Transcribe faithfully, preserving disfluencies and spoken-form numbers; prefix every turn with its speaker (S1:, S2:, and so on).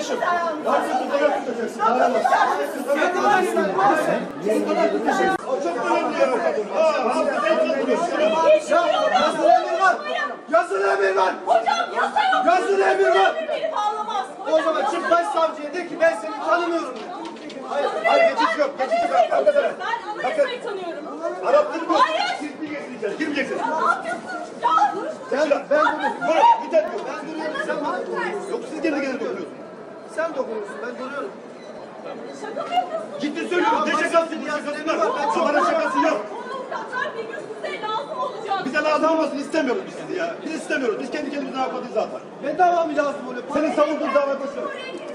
S1: kardeşim. Kardeşim fotoğraf tutacaksın. Aramaz. O çok önemli yer o kadın. Ha, hafızayı kaldırıyorsun. Yazılı emir var. Yazılı emir var.
S2: Hocam yasa yok.
S1: Yazılı emir var.
S2: Beni bağlamaz.
S1: O zaman çık başsavcıya de ki ben seni tanımıyorum. Hayır, hayır geçiş yok. Geçiş yok. Arkadaşlar.
S2: Ben anayasayı tanıyorum.
S1: Arapları mı?
S2: Hayır.
S1: Siz girmeyeceksiniz. Girmeyeceksiniz.
S2: Ya ne yapıyorsun? Ya dur.
S1: Sen, ben bunu, bunu, bir tane yok. Ben duruyorum, sen bana dokunuyorsun. Yok, siz kendi kendine dokunuyorsunuz. Sen dokunuyorsun, ben duruyorum.
S2: Şaka mı yapıyorsun?
S1: Ciddi söylüyorum, ne şakası, bu şakası var. Sabahın şakası yok.
S2: Avukatlar bir gün size lazım olacak.
S1: Bize lazım olmasını istemiyoruz biz sizi ya. Biz istemiyoruz, biz kendi kendimize ne yapmadık zaten.
S3: Ne dava mı lazım oluyor?
S1: Senin savunduğun dava koşuyor.